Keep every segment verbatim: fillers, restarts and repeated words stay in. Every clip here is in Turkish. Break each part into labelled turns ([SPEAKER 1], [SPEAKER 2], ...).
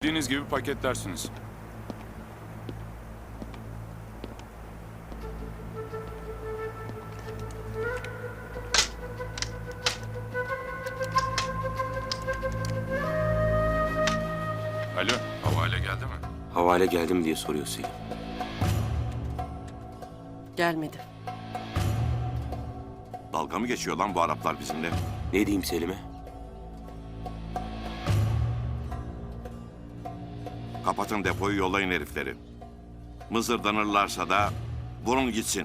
[SPEAKER 1] İstediğiniz gibi paketlersiniz. Alo, havale geldi mi?
[SPEAKER 2] Havale geldi mi diye soruyor Selim.
[SPEAKER 3] Gelmedi.
[SPEAKER 4] Dalga mı geçiyor lan bu Araplar bizimle?
[SPEAKER 2] Ne diyeyim Selim'e?
[SPEAKER 4] Kapatın depoyu, yollayın herifleri. Mızırdanırlarsa da vurun gitsin.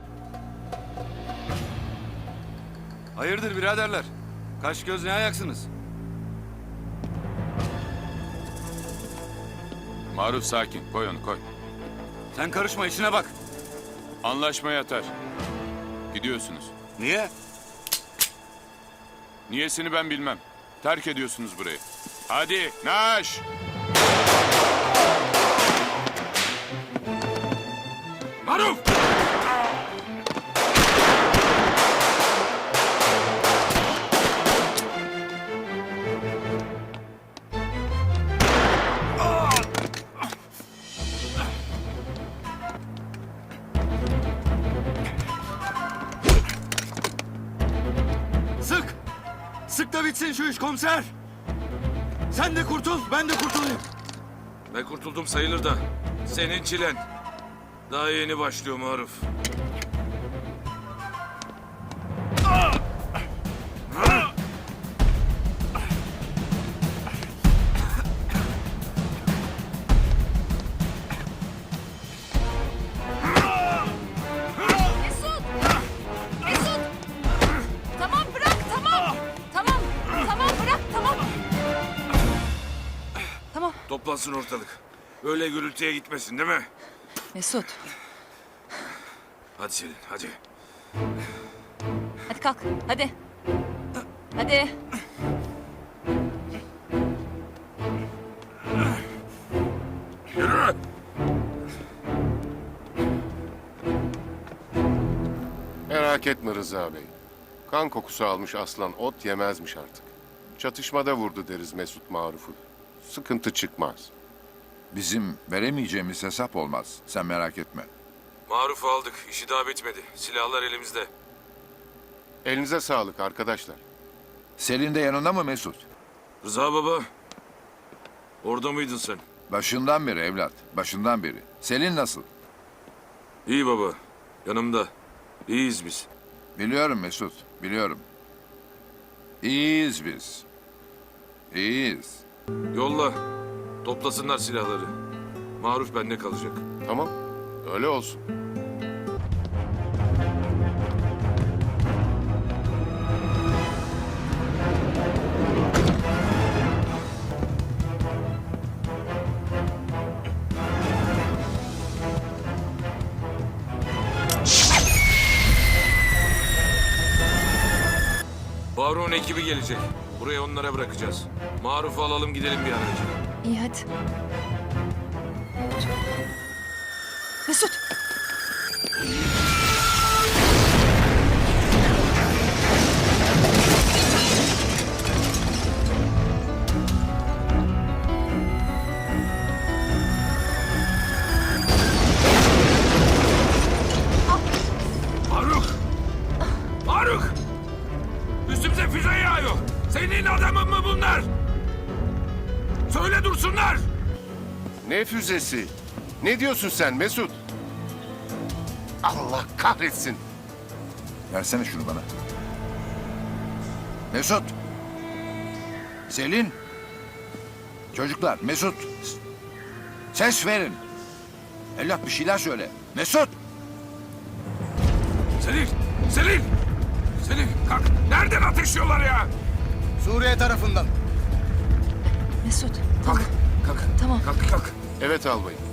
[SPEAKER 5] Hayırdır biraderler? Kaş göz ne ayaksınız?
[SPEAKER 1] Maruf sakin, koy onu koy.
[SPEAKER 5] Sen karışma, işine bak.
[SPEAKER 1] Anlaşma yatar. Gidiyorsunuz.
[SPEAKER 4] Niye?
[SPEAKER 1] Niyesini ben bilmem. Terk ediyorsunuz burayı. Hadi, naş!
[SPEAKER 5] Maruf! Sık! Sık da bitsin şu iş komiser! Sen de kurtul, ben de kurtulayım.
[SPEAKER 6] Ben kurtuldum sayılır da. Senin çilen. Daha yeni başlıyor Maruf.
[SPEAKER 7] Mesut! Mesut! Tamam bırak, tamam. Tamam, tamam bırak, tamam. Tamam.
[SPEAKER 6] Toplansın ortalık. Öyle gürültüye gitmesin değil mi?
[SPEAKER 7] Mesut,
[SPEAKER 6] Hadi Selin hadi.
[SPEAKER 7] hadi kalk, hadi. Hadi.
[SPEAKER 6] Yürü!
[SPEAKER 8] Merak etme Rıza Bey. Kan kokusu almış aslan ot yemezmiş artık. Çatışmada vurdu deriz Mesut Maruf'u. Sıkıntı çıkmaz.
[SPEAKER 9] Bizim veremeyeceğimiz hesap olmaz. Sen merak etme.
[SPEAKER 6] Maruf'u aldık. İşi daha bitmedi. Silahlar elimizde.
[SPEAKER 8] Elinize sağlık arkadaşlar.
[SPEAKER 9] Selin de yanında mı Mesut?
[SPEAKER 6] Rıza baba. Orada mıydın sen?
[SPEAKER 9] Başından beri evlat. Başından beri. Selin nasıl?
[SPEAKER 6] İyi baba. Yanımda. İyiyiz biz.
[SPEAKER 9] Biliyorum Mesut. Biliyorum. İyiyiz biz. İyiyiz.
[SPEAKER 6] Yolla. Toplasınlar silahları. Maruf bende kalacak.
[SPEAKER 8] Tamam, öyle olsun.
[SPEAKER 6] Faruk'un ekibi gelecek. Buraya onlara bırakacağız. Maruf'u alalım gidelim bir an önce.
[SPEAKER 7] İyi hadi. Mesut!
[SPEAKER 6] Faruk! Faruk! Üstümüze füze yağıyor. Senin adamın mı bunlar? Söyle dursunlar!
[SPEAKER 8] Ne füzesi? Ne diyorsun sen Mesut? Allah kahretsin.
[SPEAKER 9] Versene şunu bana. Mesut! Selin! Çocuklar, Mesut! Ses verin! Evlat bir şeyler söyle. Mesut!
[SPEAKER 6] Selin! Selin! Selin kalk! Nereden ateşliyorlar ya?
[SPEAKER 5] Suriye tarafından.
[SPEAKER 7] Mesut,
[SPEAKER 6] Kalk!
[SPEAKER 7] tamam.
[SPEAKER 6] Kalk!
[SPEAKER 7] Tamam.
[SPEAKER 6] Kalk kalk!
[SPEAKER 8] Evet albayım.